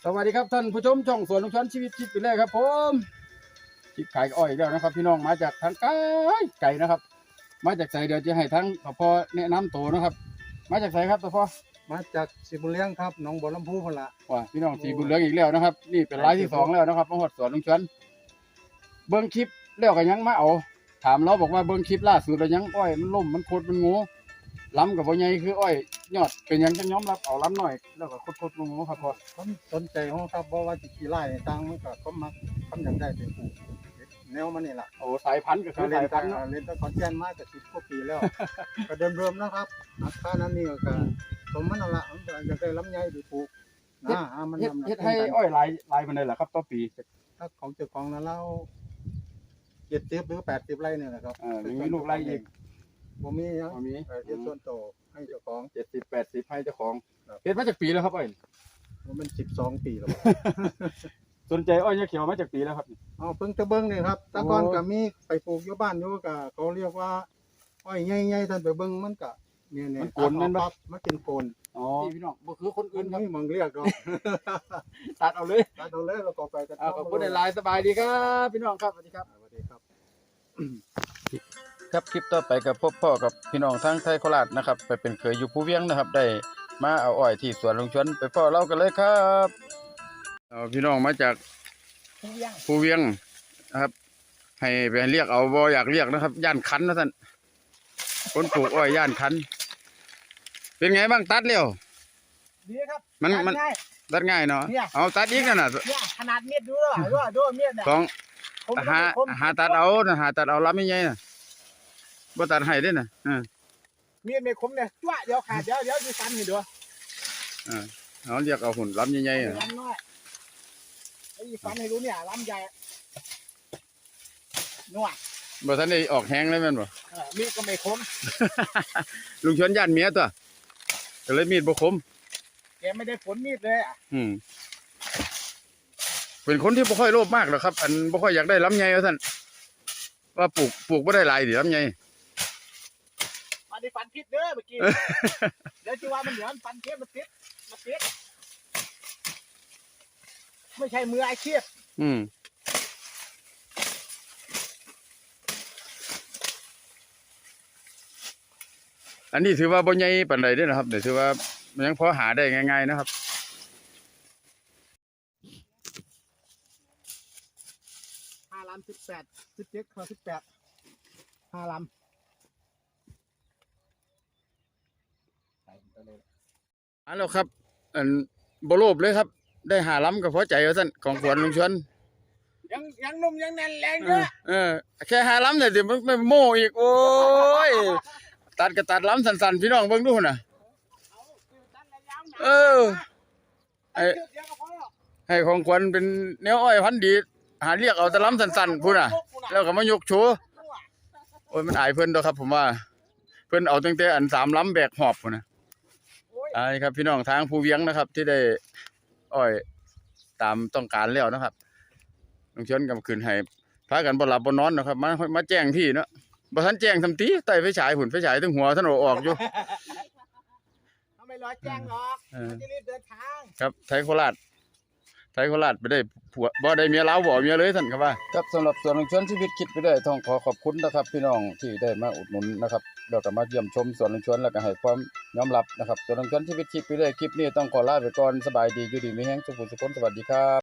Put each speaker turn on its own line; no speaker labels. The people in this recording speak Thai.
วัสดีครับท่านผู้ชมช่องสวนลุงชันชีวิตคิดไปเลยครับผมคิดขายอ้อยแล้วนะครับพี่น้องมาจากทางไกลนะครับมาจากไสเดี๋ยวจะให้ทั้งพ่อแนะนำตัวนะครับมาจากไสครับพ่อ
มาจากสีบุญเลี้ยงครับหนองบัวลำพูพนละ
ว่าพี่น้องสีบุญเหลืองอีกแล้วนะครับนี่เป็นรายที่2แล้วนะครับมาหดสวนลุงชันเบิ้งคลิปแล้วก็ยังมาเอาถามเราบอกว่าเบิ้งคลิปล่าสุดแล้วยังอ้อยมันล่มมันโคตรมันงูล้ำกับบ่ใหญ่คืออ้อยยอดเป็นยังจะย้อมรับเอาล้ำหน่อยแล้วก็โคตรงูครับพ่อ
ผมสนใจของครับเพราะว่าจิกี่ไร่ต่างมันก็เขามักทำอย่างได้เป็นปลูกแนวมันนี่แหละ
โอ้สายพันธุ์ก็คือสายพันธุ์
เล่นตั้งคอนแกนมาแต่10 กว่าปีแล้วก็เดิมๆนะครับราคานั้นนี่ก็สมมันนั่นละมันจะได้ลำไยดีปลูกนะมัน
เฮ็ดให้อ้อยลายมันเลยเหรอครับต่อปี
ถ้าของเจ้าของนั้นเรา70 หรือ 80 ไร่เนี่ยแหละครับ
มีลูกไร่อีก
ผมมียังเฮ็ดส่วนโตให้เจ้าของ
70-80ให้เจ้าของเฮ็ดมาจากปีแล้วครับอ้อย
มัน12 ปีแล้ว
สนใจอ้อยยาเขียวมาจากปีแล้วครับ
เพิ่งจะเบิ่งนี่ครับตะกอนก็มีไปปลูกอยู่บ้านอยู่ก็เขาเรียกว่าอ้อยใหญ่ๆท่านไปเบิ่งมันก็เนี่ย
มันโกนนั่นบ่
มันเป็นโกน
พี่น้องบ่คือคนอื่นครับ
นี่มึงเรียกดอก
ตัดเอาเลย
แล้วก็ไปกัน
ขอบคุณหลายสบายดีครับพี่น้องครับสวัสดีครับครับคลิปต่อไปกับพ่อกับพี่น้องทั้งไทยโคราชนะครับไปเป็นเคยอยู่ภูเวียงนะครับได้มาเอาอ้อยที่สวนลุงชวนไปพ่อเรากันเลยครับพี่น้องมาจากภูเวียงนะครับให้ไปเรียกเอาบ่อยากเรียกนะครับย่านคันนะท่านคนปลูกอ้อยย่านคันเป็นไงบ้างตัดเร็ว
ดีครับ
มันตัดง่ายเนาะเอาตัดอีกนั่นน่ะ
ขนาดเม็ดดูเม็ด
ของหาตัดเอาลำไม่ใหญ่น่ะบ่ตัดให้ด้วยน่ะ
มีดไม่คมเนี่ยจ้วเดี๋ยวขาดเดี๋ยวดูฟันให้ดู
เขาเรียกเอาหุ่นลำใหญ่ๆ
ลำน้อยไอ้ฟันให้รู้เนี่ยลำใหญ่นัว
บ่ทันได้ออกแห้งเลยแม่นบ่
มีดก็ไม่คม
ลุงชวนย่านเมียตัวก็เลยมีดบ่คม
แกไม่ได้ผลมีดเลย
เป็นคนที่บ่ค่อยโลภมากหรอกครับอันบ่ค่อยอยากได้ลำใหญ่ว่าซั่นว่าปลูกบ่ได้หลายดิลำใหญ่
มาได้ฟันพิษเด้อเมื่อกี้เดี๋ยวจะว่ามันเหลือฟันพิษมันติดไม่ใช่มืออาชีพ
อันนี้ถือว่าบ่ใหญ่ปานใดเด้อนะครับเดี๋ยวถือว่ามันยังพอหาได้ง่ายๆนะครับ
5 ลำ 18 17 ข้อ 18 5 ลำ
แล้วครับอันบ่โลภเลยครับได้5 ลำก็พอใจว่าซั่นของสวนลุงชวน
ยังนุ่มยังแน่นแรงเยอะ
แค่5 ลำเนี่ยสิไม่โม่อีกโอ้ยตัดก็ตัดลำสั้นๆพี่น้องเบิ่งดูน่ะให้ของขวัญเป็นแนวอ้อยพันธุ์ดีหาเรียกเอาแต่ลำสั้นๆพุ่นน่ะแล้วก็มายกโชว์โอ้ยมันอายเพิ่นดอกครับผมว่าเพิ่นเอาตั้งแต่อัน3 ลำแบกหอบพุ่นน่ะครับพี่น้องทางภูเวียงนะครับที่ได้อ้อยตามต้องการแล้วนะครับลุงชวนกำคืนให้พากันบ่หลับบ่นอนนะครับมาแจ้งพี่เนาะบ่ทันแจ้งทำตีใต้ไฟฉายหุ่นไฟฉายถึงหัวท่านออกอยู่
ทำไมรอแจ้งหรอกจะรีบเดินทาง
ครับไทยโคราชไปได้ผัวบ่ได้เมียลาวบ่เมียเลยท่านครับว่าครับสำหรับส่วนลุงชวนชีวิตคิดไปได้ต้องขอขอบคุณนะครับพี่น้องที่ได้มาอุดหนุนนะครับแล้วก็มาเยี่ยมชมสวนลุงชวนแล้วก็ให้ความยอมรับนะครับส่วนลุงชวนชีวิตคิดไปได้คลิปนี้ต้องขอลาไปก่อนสบายดีอยู่ดีมีแฮงสุขสุขสวัสดีครับ